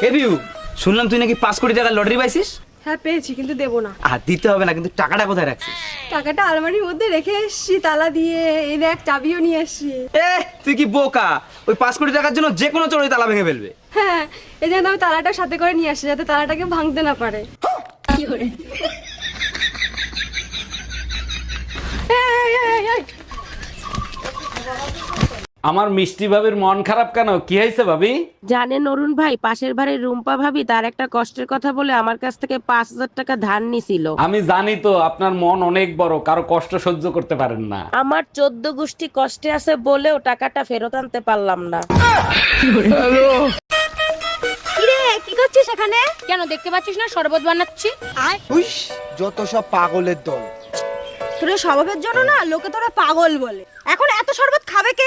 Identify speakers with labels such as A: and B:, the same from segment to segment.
A: এ বিউ, শুনলাম তুই নাকি 5 কোটি টাকার লটারি পাইছিস।
B: হ্যাঁ পেয়েছি, কিন্তু দেবো না।
A: আর দিতে হবে না, কিন্তু টাকাটা কোথায় রাখছিস?
B: টাকাটা আলমারির মধ্যে রেখে এসছি তালা দিয়ে। এই দেখ, চাবিও নিয়ে এসছি।
A: এ তুই কি বোকা? ওই 5 কোটি টাকার জন্য যে কোনো চোরই তালা ভেঙে ফেলবে।
B: হ্যাঁ, এই জন্য আমি তালাটা সাথে করে নিয়ে আসছি, যাতে তালাটাকে ভাঙতে না পারে। এই, এই, এই, এই।
C: আমার মিষ্টি ভাবির মন খারাপ কেন? কি হয়েছে ভাবি?
D: জানেন অরুণ ভাই, পাশের বাড়ির রুম্পা ভাবি তার একটা কষ্টের কথা বলে আমার কাছ থেকে 5,000 টাকা ধার নিছিল।
C: আমি জানি তো আপনার মন অনেক বড়, কারো কষ্ট সহ্য করতে পারেন না।
D: আমার 14 গোষ্ঠী কষ্টে আছে বলেও টাকাটা ফেরত আনতে পারলাম না।
B: কিরে, কি করছিস এখানে?
E: কেন দেখতে পাচ্ছিস না শরবত বানাচ্ছি?
F: হুইস, যত সব পাগলের দল।
B: তোর এই স্বভাবের জন্য না লোকে তোরা পাগল বলে। এখন এত শরবত খাবে কে?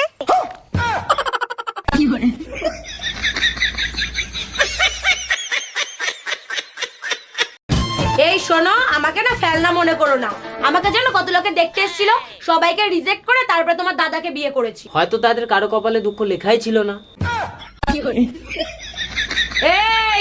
E: এই শোনো, আমাকে না ফেলনা মনে করো না। আমাকে জানো কত লোকে দেখতে এসেছিল, সবাইকে রিজেক্ট করে তারপরে তোমার দাদাকে বিয়ে করেছি।
D: হয়তো তাদের কারো কপালে দুঃখ লেখাই ছিল না।
E: এই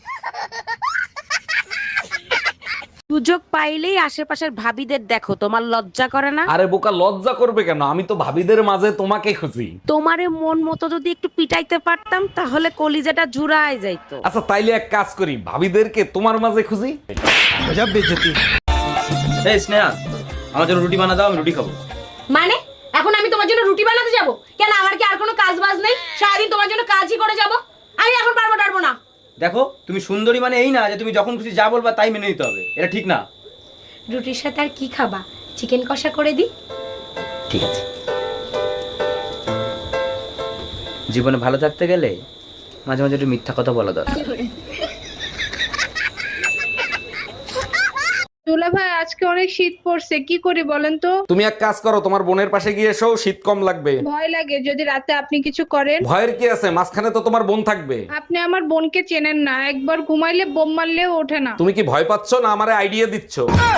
D: সুযোগ পাইলেই আশেপাশের ভাবিদের দেখো, তোমার লজ্জা করে না?
C: আরে বোকা, লজ্জা করবে কেন? আমি তো ভাবিদের মাঝে তোমাকে খুঁজি।
D: তোমারে মন মতো যদি একটু পিটাইতে পারতাম তাহলে কলিজাটা জুড়ায় যাইতো।
C: আচ্ছা তাইলে এক কাজ করি, ভাবিদেরকে তোমার মাঝে খুঁজি।
F: গজব বেজতি।
A: এই স্নেহা, আমার জন্য রুটি বানা দাও, আমি রুটি খাবো।
E: মানে এখন আমি তোমার জন্য রুটি বানাতে যাব? কেন, আমার কি আর কোনো কাজ বাজ নেই? সারাদিন তোমার জন্য কাজই করে যাব। আমি এখন পারবো না।
A: দেখো, তুমি সুন্দরী মানে এই না যে তুমি যখন খুশি যা বলবা তাই মেনে নিতে হবে। এটা ঠিক না।
E: রুটির সাথে আর কি খাবা? চিকেন কষা করে দিই?
A: ঠিক আছে। জীবনে ভালো থাকতে গেলে মাঝে মাঝে একটু মিথ্যা কথা বলা দরকার।
G: দুলা ভাই, আজকে অনেক শীত পড়ছে, কি করি বলেন তো?
C: তুমি এক কাজ করো, তোমার বোনের পাশে গিয়ে এসো, শীত কম লাগবে।
G: ভয় লাগে যদি রাতে আপনি কিছু করেন।
C: ভয়ের কি আছে? মাঝখানে তো তোমার বোন থাকবে।
G: আপনি আমার বোনকে চেনেন না, একবার ঘুমাইলে বোম মারলেও ওঠে না।
C: তুমি কি ভয় পাচ্ছ না আমারে আইডিয়া দিচ্ছ?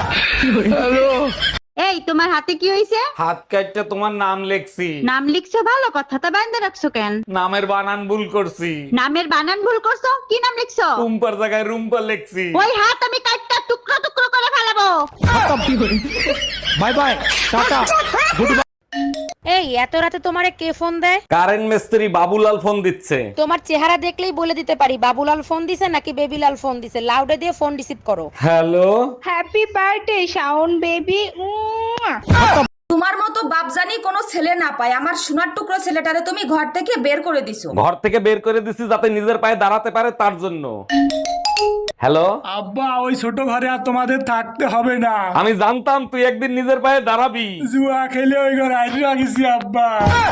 H: এই, তোমার হাতে কি হইছে?
C: হাত কাটটা তোমার নাম লেখছি।
H: নাম লিখছো, ভালো কথা। তা বাইন্দা রাখছো কেন?
C: নামের বানান ভুল করছি।
H: নামের বানান ভুল করছো? কি নাম লিখছো?
C: রুম্পার জায়গায় রুম্পা লেখছি।
H: ওই হাত আমি কাটটা টুকরো টুকরো করে ফেলাবো।
F: Bye bye, tata.
D: এই এত রাতে তোমারে কে ফোন দেয়?
C: কারেন্ট মিস্ত্রি বাবুলাল ফোন দিচ্ছে।
D: তোমার চেহারা দেখলেই বলে দিতে পারি বাবুলাল ফোন দিছে নাকি বেবিলাল ফোন দিছে। লাউডে দিয়ে ফোন রিসিভ করো।
C: Hello,
G: happy birthday Shaon baby.
I: তোমার মতো বাপজানি কোনো ছেলে না পায়। আমার সোনার টুকরো ছেলেটারে তুমি ঘর থেকে বের করে দিছো।
C: ঘর থেকে বের করে দিছি যাতে নিজের পায়ে দাঁড়াতে পারে, তার জন্য। হ্যালো
J: আব্বা, ওই ছোট ঘরে আর তোমাদের থাকতে হবে না।
C: আমি জানতাম তুই একদিন নিজের পায়ে দাঁড়াবি।
J: জুয়া খেলে ওই ঘরে আইডি রাখিছি আব্বা।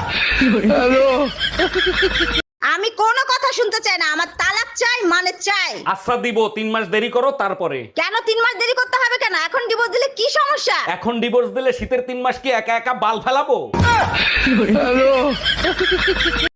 H: আমি কোনো কথা শুনতে চাই না, আমার তালাক চাই, মানে চাই।
C: আচ্ছা দিব, 3 মাস দেরি করো তারপরে।
H: কেন 3 মাস দেরি করতে হবে কেন? এখন ডিভোর্স দিলে কি সমস্যা?
C: এখন ডিভোর্স দিলে শীতের 3 মাস কি একা একা বাল ফেলাবো?